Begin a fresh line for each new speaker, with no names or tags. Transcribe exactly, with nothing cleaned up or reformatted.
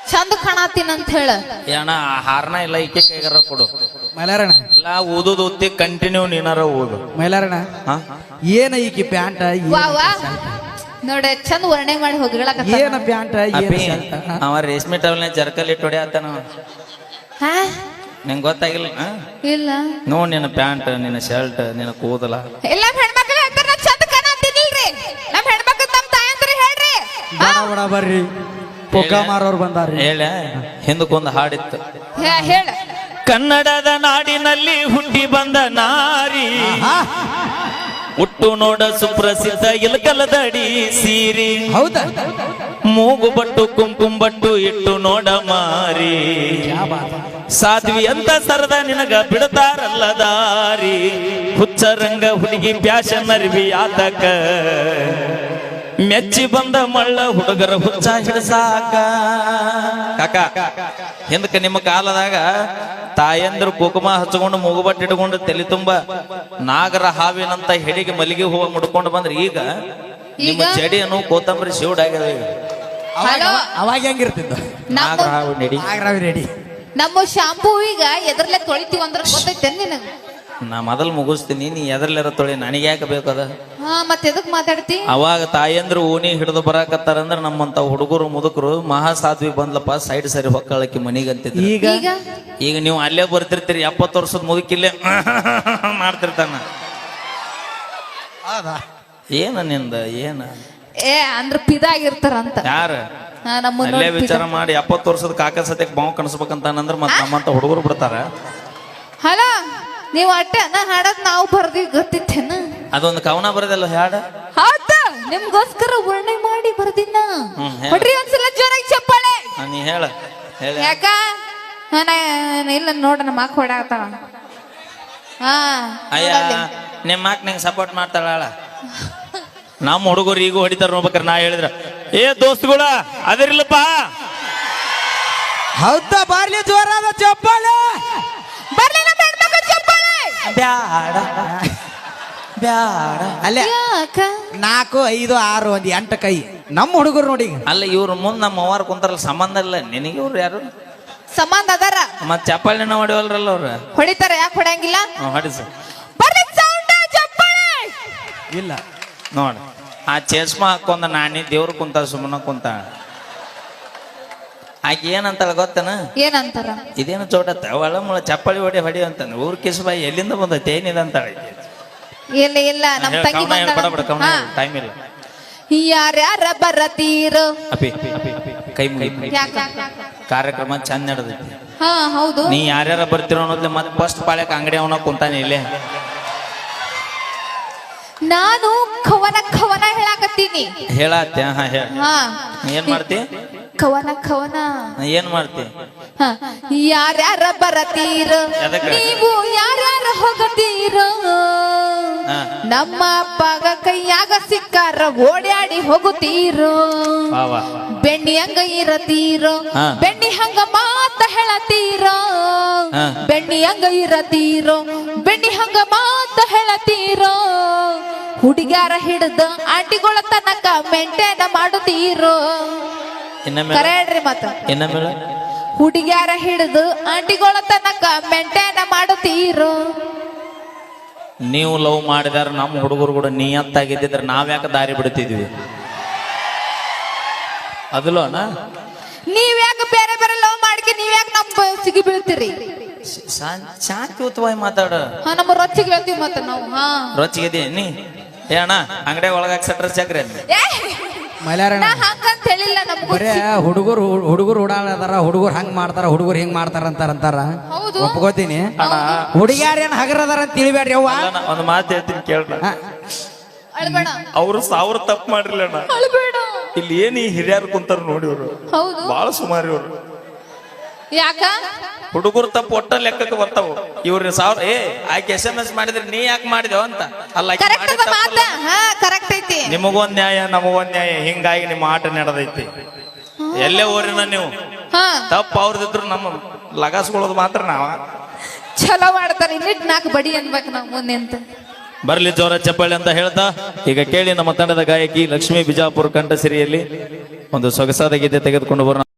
ಚಂದ ಕಾಣತೀನಿ ಅಂತ ಹೇಳ
ಏನ ಹಾರನ ಇಲ್ಲ ಈಕೆ ಕೈಗಾರ ಕೊಡು
ಮೈಲಾರಣ
ಇಲ್ಲ ಓದೋದು ಓದ್ತಿ ಕಂಟಿನ್ಯೂ ನೀನಾರ ಓದು
ಮೈಲಾರಣ
ಹಾ
ಏನ ಈಕಿ ಪ್ಯಾಂಟ
ವಾ ವಾ ನೋಡ ಚಂದ ವರ್ಣೆ ಮಾಡಿ ಹೋಗಿಳಕ
ಏನ ಪ್ಯಾಂಟ
ಅಪ್ಪಿ ಅವ ರೇಷ್ಮೆ ಟವಲ್ನ ಜರ್ಕಲ್ ಇಟ್ಟು ಹೊಡ್ಯಾತಾನ
ಹಾ
ನಿಂಗೆ ಗೊತ್ತಾಗಿಲ್ಲ
ಇಲ್ಲ
ನೋಡ್ ನಿನ್ನ ಪ್ಯಾಂಟ್ ನಿನ್ನ ಶರ್ಟ್ ನಿನ್ನ ಕೂದಲ
ಎಲ್ಲ ಹೆಣ್ಮಕ್ಳು ಹೇಳ್ತಾರ ನಾ ಚಂದ ಕಾಣತೀನಿಲ್ರಿ ನಮ್ ಹೆಣ್ಮಕ್ಳು ತಮ್ಮ ತಾಯಂದ್ರ ಹೇಳ್ರಿ
ಬಡ ಬಡ ಬರ್ರಿ ಪೊಕ್ಕ ಮಾರೋರು ಬಂದಾರ್ರಿ
ಹೇಳ ಹಿಂದಕ್ಕೊಂದು ಹಾಡಿತ್ತು
ಹೇ- ಹೇಳ
ಕನ್ನಡದ ನಾಡಿನಲ್ಲಿ ಹುಟ್ಟಿ ಬಂದ ನಾರಿ ಹುಟ್ಟು ನೋಡ ಸುಪ್ರಸಿದ್ಧ ಇಲಕಲದಡಿ ಸೀರಿ
ಹೌದಾ
ಮೂಗು ಬಟ್ಟು ಕುಂಕುಂಬಟ್ಟು ಇಟ್ಟು ನೋಡ ಮಾರಿ ಸಾಧ್ವಿ ಅಂತ ಸರದ ನಿನಗ ಬಿಡ್ತಾರಲ್ಲ ದಾರಿ ಹುಚ್ಚರಂಗ ಹುಡುಗಿ ಪ್ಯಾಶನ್ ಅರಿವಿ ಆತಕ ಮೆಚ್ಚಿ ಬಂದ ಮಳ್ಳ ಹುಡುಗರ ಹುಚ್ಚ ಹಿಡಸಾಕ ಕಾಕ ಹಿಂದಕ್ಕೆ ನಿಮ್ಮ ಕಾಲದಾಗ ತಾಯಂದ್ರು ಕುಕುಮ ಹಚ್ಕೊಂಡು ಮೂಗುಬಟ್ಟು ಇಟ್ಕೊಂಡು ತಲೆ ತುಂಬ ನಾಗರ ಹಾವಿನಂತ ಹೆಡಿಗೆ ಮಲ್ಲಿಗೆ ಹೂವ ಮುಡ್ಕೊಂಡು ಬಂದ್ರೆ ಈಗ ನಿಮ್ಮ ಜಡಿಯನ್ನು ಕೋತಂಬರಿ ಶಿವಡ್ ಆಗ್ಯದ
ಹಲೋ
ಅವಾಗ ಹೆಂಗಿರ್ತಿದ್ದ
ನಾಗರ ಹಾವು ನೆಡಿ
ಆಗ್ರಾವಿ ರೆಡಿ
ನಮ್ಮ ಶಾಂಪೂ ಈಗ ಎದ್ರಲ್ಲೇ ತೊಳಿತೀವಿ ಅಂದ್ರ ಗೊತ್ತೈತೆ ನಿನಗ
ನಾ ಮೊದಲು ಮುಗಿಸ್ತೀನಿ ನೀ ಎದರ್ಲಿರ ತೊಳಿ ನನಗೆ ಯಾಕೆ ಬೇಕದ
ಹಾ ಮತ್ತೆ ಎದಕ್ ಮಾತಾಡ್ತಿ
ಅವಾಗ ತಾಯಂದ್ರು ಓಣಿ ಹಿಡಿದು ಬರಾಕತ್ತಾರಂದ್ರ ನಮ್ಮಂತ ಹುಡುಗರು ಮುದುಕರು ಮಹಾ ಸಾಧ್ವಿ ಬಂದ್ಲಪ್ಪ ಸೈಡ್ ಸರಿ ಹೊಕ್ಕಳಕ್ಕೆ ಮನಿಗೆ ಅಂತಿದ್ರು
ಈಗ
ಈಗ
ಈಗ ನೀವು ಅಲ್ಲೇ ಬರ್ತಿರ್ತೀರಿ ಎಪ್ಪತ್ತು ವರ್ಷದ ಮುದುಕಿಲ್ಲೇ ಮಾಡ್ತಿರ್ತಾನ ಏನ ನಿಂದ ಏನ
ಏ ಅಂದ್ರ ಪಿದಾಗಿರ್ತಾರಂತ
ಯಾರ
ಹಾ ನಮ್ಮ
ಅಲ್ಲೇ ವಿಚಾರ ಮಾಡಿ ಎಪ್ಪತ್ತು ವರ್ಷದ ಕಾಕ ಸತ್ಯಕ್ಕೆ ಬಾವು ಕಣಿಸ್ಬೇಕಂತಾನಂದ್ರ ಮತ್ ನಮ್ಮಂತ ಹುಡುಗರು ಬಿಡ್ತಾರ
ಹಲೋ ನೀವ್ ಅಟ್ಟೆ ನಾ ಹಾಡದ್ ನಾವು ಬರ್ದಿ ಗೊತ್ತಿತ್ತೇನ
ಅದೊಂದು ಕವನ ಬರದಲ್ಲ ಹಾಡ
ಹೌದ ನಿಮ್ಗೋಸ್ಕರ ವರ್ಣೆ ಮಾಡಿ ಬರ್ದಿನ
ಹ್ಮ್, ಹೇಳು.
ಹೊಡ್ರಿ ಒಂದ್ಸಲ ಜೋರಾಗಿ ಚಪ್ಪಾಳೆ
ಹಾ, ನೀ ಹೇಳ ಹೇಳ
ಯಾಕ ಹಾ, ನಾ ಇಲ್ಲ ನೋಡ ನಮ್ಮ ಅಕ್ಕ ಹೊಡಾತಾಳ ಹಾ
ಅಯ್ಯ ನಿಮ್ಮ ಮಾಕ್ ನಂಗೆ ಸಪೋರ್ಟ್ ಮಾಡ್ತಾಳ ನಮ್ಮ ಹುಡುಗರು ಈಗ ಹೊಡಿತಾರ ನೋಡ್ಬೇಕಾರೆ ನಾ ಹೇಳಿದ್ರ ಏ ದೋಸ್ತುಗಳ ಅದಿರ್ಲಪ್ಪ
ಹೌದಾ ಬಾರ್ಲಿ ಜೋರಾದ ಚಪ್ಪಾಳೆ
ಬರ್ಲಿ ನಮ್ಮ ಹೆಣ್ಮಕ್ಳು ಚಪ್ಪಾಳೆ
ಬ್ಯಾಡ ಬ್ಯಾಡ
ಅಲ್ಲೇ
ಯಾಕ
ನಾಲ್ಕು ಐದು ಆರು ಒಂದ್ ಎಂಟು ಕೈ ನಮ್ಮ ಹುಡುಗರು ನೋಡಿ ಈಗ.
ಅಲ್ಲ ಇವ್ರ ಮುಂದ್ ನಮ್ಮ ಅವ್ವಾರ ಕುಂತಾರಲ್ಲ ಸಂಬಂಧ ಇಲ್ಲ ನಿನಗೆ ಇವ್ರು ಯಾರು
ಸಂಬಂಧ ಅದಾರ
ಮತ್ ಚಪ್ಪಾಳಿನ ಹೊಡಿವಲ್ರಲ್ಲ ಅವ್ರ
ಹೊಡಿತಾರ ಯಾಕೆ ಹೊಡಂಗಿಲ್ಲ
ಹೊಡಿಸ
ಬರ್ಲಿ ಸೌಂಡ್ ಚಪ್ಪಾಳೆ
ಇಲ್ಲ
ನೋಡ ಆ ಚೇಸ್ಮಾ ಹಾಕೊಂಡ ನಾನಿ ದೇವ್ರು ಕುಂತ ಸುಮ್ಮನ ಕುಂತ ಆಕೆ ಏನಂತಾಳ ಗೊತ್ತನ
ಏನಂತಾರ
ಇದೇನು ಚೋಟತ್ತ ಒಳ ಮುಳ ಚಪ್ಪಳಿ ಹೊಡಿ ಹೊಡಿ ಅಂತಾನೆ ಊರ್ ಕಿಸ್ಬಾಯಿ ಎಲ್ಲಿಂದ ಬಂದೈತೆ ಏನಿದೆ ಅಂತಾಳೆ
ಇಲ್ಲ ಇಲ್ಲ ನಮ್ ತಂಗಿ ಬಂದಾಳ
ಟೈಮ್ ಇಲ್ಲ
ಯಾರ್ಯಾರ ಬರತೀರ
ಅಪಿ ಕೈ ಮುಗಿ
ಯಾಕ
ಕಾರ್ಯಕ್ರಮ ಚಂದ ನಡೆದೈತಿ
ಹಾ ಹೌದು
ನೀ ಯಾರ್ಯಾರ ಬರ್ತಿರೋ ಅನ್ನೋದ್ಲೆ ಮತ್ತೆ ಫಸ್ಟ್ ಪಾಳ್ಯಕ್ ಅಂಗಡಿ ಅವನ ಕುಂತಾನೆ ಇಲ್ಲೇ
ನಾನು ಕವನ ಕವನ ಹೇಳಾಕತ್ತೀನಿ
ಹೇಳತ್ತೆ ಹಾ ಹೇಳ
ಹಾ
ಏನ್ ಮಾಡ್ತಿ
ಕವನ ಕವನ
ಏನ್ ಮಾಡ್ತಿ
ಹಾ. ಯಾರ್ಯಾರ ಬರತೀರ
ಎದಕ್ಕ?
ನೀವು ಯಾರ್ಯಾರ ಹೋಗತೀರ
ಹಾ.
ನಮ್ಮ ಅಪ್ಪಗ ಕೈಯಾಗ ಸಿಕ್ಕಾರ ಓಡ್ಯಾಡಿ ಹೋಗುತ್ತೀರೋ
ವಾ ವಾ
ಬೆಣ್ಣಿ ಹಂಗ ಇರತೀರೋ
ಹಾ.
ಬೆಣ್ಣಿ ಹಂಗ ಮಾತ ಹೇಳತೀರೋ
ಹಾ.
ಬೆಣ್ಣಿ ಹಂಗ ಇರತೀರೋ ಬೆಣ್ಣಿ ಹಂಗ ಮಾತ ಹೇಳತೀರೋ ಹುಡುಗ್ಯಾರ ಹಿಡ್ದ ಆಂಟಿಗಳ ತನಕ ಮೆಂಟೇನ ಮಾಡುತ್ತೀರೋ
ಇನ್ನೊಮ್ಮೆ
ಕರೆ ಹೇಳ್ರಿ ಮತ್ತ
ಇನ್ನೊಮ್ಮೆ
ಹುಡುಗ್ಯಾರ ಹಿಡ್ದು ಆಂಟಿಗಳ ತನಕ ಮೆಂಟೇನ ಮಾಡುತ್ತೀರೋ
ನೀವು ಲವ್ ಮಾಡಿದಾರ ನಮ್ಮ ಹುಡುಗರು ಕೂಡ ನಿಯತ್ತಾಗಿದ್ದಿದ್ರೆ ನಾವ್ಯಾಕೆ ದಾರಿ ಬಿಡ್ತಿದ್ವಿ ಅದಲ್ಲೋನ
ನೀವ್ ಯಾಕೆ ಬೇರೆ ಬೇರೆ ಲವ್ ಮಾಡ್ಕೆ ನೀವ್ ಯಾಕೆ ನಮ್ ಸಿಗಿ ಬೀಳ್ತೀರಿ
ಶಾಂತಿಯುತವಾಗಿ ಮಾತಾಡ
ಹಾ ನಮ್ಮ ರೊಚ್ಚಿಗೆ ಹೇಳ್ತೀವಿ ಮತ್ತ ನಾವು ಹಾ
ರೊಚ್ಚಿಗೆ ನೀ ಏ ಅಣ್ಣ ಅಂಗಡಿ ಒಳಗಾಕ ಸಟ್ರ ಚಕ್ರೆ
ಏ,
ಮೈಲಾರಣ
ನಾ ಹಂಗಂತ ಹೇಳಿಲ್ಲ ನಮ್ಗೂ
ಬರೇ ಹುಡುಗರು ಹುಡುಗರು ಓಡಾಡದಾರ ಹುಡುಗರು ಹಂಗ್ ಮಾಡ್ತಾರ ಹುಡುಗರು ಹಿಂಗ್ ಮಾಡ್ತಾರ ಅಂತಾರ ಅಂತಾರ
ಹೌದು
ಒಪ್ಕೋತೀನಿ
ಅಣ್ಣ
ಹುಡುಗ್ಯಾರ ಏನ್ ಹಗರದಾರ ಅಂತ ತಿಳಿಬೇಡ್ರಿ ಅವ್ವ
ಅಲ್ಲ, ನಾ ಒಂದು ಮಾತು ಹೇಳ್ತೀನಿ ಕೇಳ್ರ
ಹಾ.
ಅಳ್ಬೇಡ
ಅವ್ರು ಸಾವಿರ ತಪ್ಪು ಮಾಡಿರ್ಲ ಅಣ್ಣ
ಅಳ್ಬೇಡ
ಇಲ್ಲಿ ಏನ್ ಈ ಹಿರಿಯರು ಕುಂತಾರ ನೋಡಿ ಇವ್ರು
ಹೌದು
ಬಾಳ ಸುಮಾರು ಇವ್ರು
ಯಾಕ
ಹುಡುಗರು ತಪ್ಪು ಒಟ್ಟ ಲೆಕ್ಕಕ್ಕೆ ಬರ್ತಾವ ಇವ್ರ ಸಾವಿರ ಏ ಆಕೆ ಎಸ್ ಎಂ ಎಸ್ ಮಾಡಿದ್ರೆ ನೀ ಯಾಕೆ ಮಾಡಿದೆವ ಅಂತ ಅಲ್ಲ ಆಕಿ
ಕರೆಕ್ಟ್
ಮಾಡಿದ್
ಅದ ಮಾತ
ತಪ್ಪಲ್ಲ.
ಹಾ ಕರೆಕ್ಟ್ ಐತಿ
ನಿಮಗೊಂದ್ ನ್ಯಾಯ ನಮಗೊಂದ್ ನ್ಯಾಯ ಹಿಂಗಾಗಿ ನಿಮ್ಮ ಆಟ ನಡೆದೈತಿ ಎಲ್ಲೇ ಊರಿನ ನೀವು
ಹಾ
ತಪ್ಪು ಅವ್ರದಿದ್ರು ನಮ್ಮ ಲಗಾಸ್ಕೊಳ್ಳೋದು ಮಾತ್ರ ನಾವ
ಚಲೋ ಮಾಡ್ತಾರ ಇನ್ನಿಟ್ ನಾಲ್ಕು ಬಡಿ ಅನ್ಬೇಕು ನಾವು ಮುಂದೆ ಅಂತ
ಬರ್ಲಿ ಜೋರ ಚಪ್ಪಾಳೆ ಅಂತ ಹೇಳ್ತಾ ಈಗ ಕೇಳಿ ನಮ್ಮ ತಂಡದ ಗಾಯಕಿ ಲಕ್ಷ್ಮೀ ಬಿಜಾಪುರ ಕಂಠಸಿರಿಯಲ್ಲಿ ಒಂದು ಸೊಗಸಾದ ಗೀತೆ ತೆಗೆದುಕೊಂಡು ಬರೋಣ.